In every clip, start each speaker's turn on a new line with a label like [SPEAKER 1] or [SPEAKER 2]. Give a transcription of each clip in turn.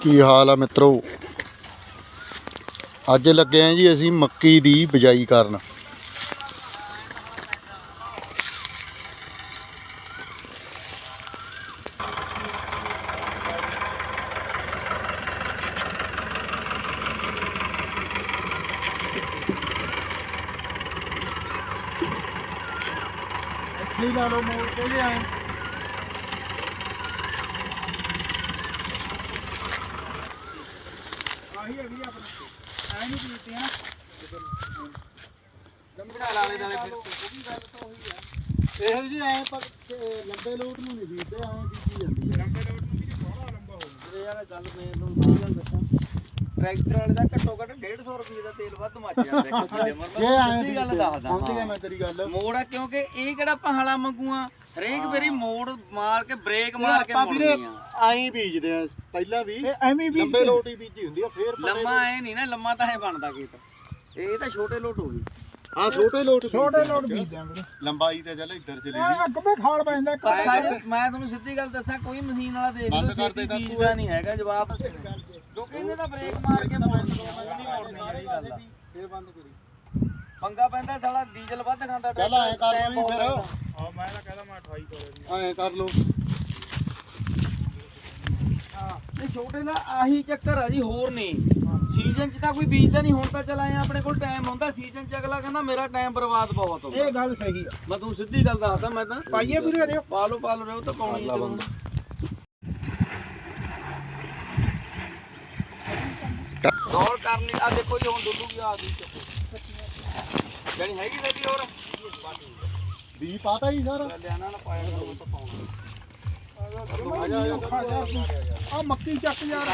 [SPEAKER 1] ਕੀ ਹਾਲ ਆ ਮਿੱਤਰੋ। ਅੱਜ ਲੱਗੇ ਆ ਜੀ ਅਸੀਂ ਮੱਕੀ ਦੀ ਬਿਜਾਈ ਕਰਨ। ਇੱਥੇ ਲਾ ਲਓ ਮੋੜ ਕੇ ਲਿਆਏ। ਆਹੀ ਹੈਗੀ ਆਪਣਾ ਐ ਨਹੀਂ ਪੀਤੀ ਹੈ ਨਾ ਲੰਬੜਾ ਲਾਲੇ ਨਾਲੇ ਫਿਰ ਉਹਦੀ ਗੱਲ ਤਾਂ ਉਹੀ ਆ। ਇਹੋ ਜੀ ਐ ਪਰ ਲੰਬੇ ਲੋਟ ਨੂੰ ਨਹੀਂ ਬੀਜਦੇ ਐ ਬੀਜੀ ਜਾਂਦੀ ਹੈ। ਲੰਬੇ ਲੋਟ ਨੂੰ ਵੀ ਬਹੁਤ ਲੰਬਾ ਹੋ ਜਾਂਦਾ ਯਾਰ। ਗੱਲ ਮੈਂ ਤੁਹਾਨੂੰ ਸਹੀ ਗੱਲ ਦੱਸਾਂ, ਟਰੈਕਟਰ ਵਾਲੇ ਦਾ ਘੱਟੋ ਘੱਟ 150 ਰੁਪਏ ਦਾ ਤੇਲ ਵੱਧ ਮੱਚ ਜਾਂਦਾ ਇੱਕ ਕਿਲੇ ਮਰ। ਮੈਂ ਸਿੱਧੀ ਗੱਲ ਦੱਸਦਾ ਸਮਝ ਗਿਆ ਮੈਂ ਤੇਰੀ ਗੱਲ। ਮੋੜ ਆ ਕਿਉਂਕਿ ਇਹ ਕਿਹੜਾ ਪਹਾੜਾ ਮੰਗੂਆ ਹਰੇਕ ਵਾਰੀ ਮੋੜ ਮਾਰ ਕੇ ਬ੍ਰੇਕ ਮਾਰ ਕੇ ਮੋੜਨੀ ਆ। ਆਈ ਬੀਜਦੇ ਆ ਪਹਿਲਾਂ ਵੀ ਐਵੇਂ ਵੀ ਲੰਬੇ ਲੋਟ ਹੀ ਬੀਜੀ ਹੁੰਦੀ ਆ। ਫੇਰ ਲੰਮਾ ਐ ਨਹੀਂ ਨਾ, ਲੰਮਾ ਤਾਂ ਐ ਬਣਦਾ ਖੇਤ। ਇਹ ਤਾਂ ਛੋਟੇ ਲੋਟ ਹੋ ਗਈ। ਹਾਂ ਛੋਟੇ ਲੋਟ ਬੀਜਦੇ ਆ ਵੀਰੇ। ਲੰਬਾਈ ਤੇ ਚੱਲ ਇੱਧਰ ਚਲੀ ਗਈ ਅੱਗੇ ਖਾਲ ਪੈਂਦਾ। ਮੈਂ ਤੁਹਾਨੂੰ ਸਿੱਧੀ ਗੱਲ ਦੱਸਾਂ, ਕੋਈ ਮਸ਼ੀਨ ਵਾਲਾ ਦੇਖ ਲਓ ਸਿੱਧੀ ਬੀਜਦਾ ਨਹੀਂ ਹੈਗਾ। ਜਵਾਬ ਜੋ ਕਹਿੰਦੇ ਤਾਂ ਬ੍ਰੇਕ ਮਾਰ ਕੇ ਮੋੜ ਦੋ, ਨਹੀਂ ਮੋੜਨੀ ਜਿਹੜੀ ਗੱਲ ਆ। ਫੇਰ ਬੰਦ ਕਰੀ ਪੰਗਾ ਪੈਂਦਾ ਸਾਲਾ ਡੀਜ਼ਲ ਵੱਧ ਖਾਂਦਾ। ਚੱਲ ਐ ਕਰ ਲਓ ਫਿਰ। ਹਾਂ ਮੈਂ ਤਾਂ ਕਹਿੰਦਾ ਮੈਂ 28 ਕਰ ਐ ਕਰ ਲਓ। ਹਾਂ ਇਹ ਛੋਟੇ ਦਾ ਆਹੀ ਚੱਕਰ ਆ ਜੀ, ਹੋਰ ਨਹੀਂ। ਸੀਜ਼ਨ 'ਚ ਤਾਂ ਕੋਈ ਬੀਜਦਾ ਨਹੀਂ। ਹੁਣ ਤਾਂ ਚੱਲ ਆਏ ਆਪਣੇ ਕੋਲ ਟਾਈਮ ਹੁੰਦਾ। ਸੀਜ਼ਨ 'ਚ ਅਗਲਾ ਕਹਿੰਦਾ ਮੇਰਾ ਟਾਈਮ ਬਰਬਾਦ ਬਹੁਤ ਹੁੰਦਾ। ਇਹ ਗੱਲ ਸਹੀ ਆ। ਮੈਂ ਤੁਹਾਨੂੰ ਸਿੱਧੀ ਗੱਲ ਦੱਸਦਾ। ਮੈਂ ਤਾਂ ਪਾਈਏ ਵੀਰੇ ਰਿਓ ਪਾ ਲਓ ਰਿਓ ਤਾਂ ਪਾਉਣੀ ਆ। ਦੌੜ ਕਰਨੀ ਆ। ਦੇਖੋ ਜੀ ਹੁਣ ਡੁੱਲੂਗੀ ਆ ਦੀ ਜਾਨੀ ਹੈਗੀ ਸਾਡੀ ਹੋਰ ਵੀ ਪਾਤਾ ਹੀ ਸਰ। ਲਿਆਣਾ ਨਾ ਪਾਇਆ ਕਰੋ ਤਾਂ ਪਾਉਣਾ। ਆ ਮੱਕੀ ਚੱਕ ਯਾਰ।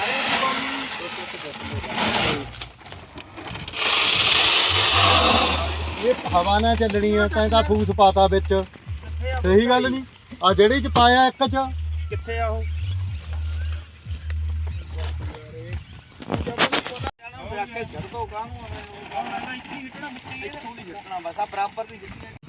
[SPEAKER 1] ਇਹ ਹਵਾ ਨਾਲ ਚੱਲਣੀ ਆ ਤਾਂ ਇਹਦਾ ਫੂਸ ਪਾਤਾ ਵਿੱਚ। ਸਹੀ ਗੱਲ ਨਹੀਂ। ਆ ਜਿਹੜੀ ਚ ਪਾਇਆ ਇੱਕ ਚ ਕਿੱਥੇ ਆ ਉਹ ਰੱਖ ਕੇ ਛੱਡ ਦੋ ਕਾਹਨੂੰ। ਇੱਥੇ ਹੀ ਹਿੱਟਣਾ, ਇੱਥੋਂ ਨਹੀਂ ਹਿੱਟਣਾ ਬਸ। ਆ ਬਰਾਬਰ ਦੀ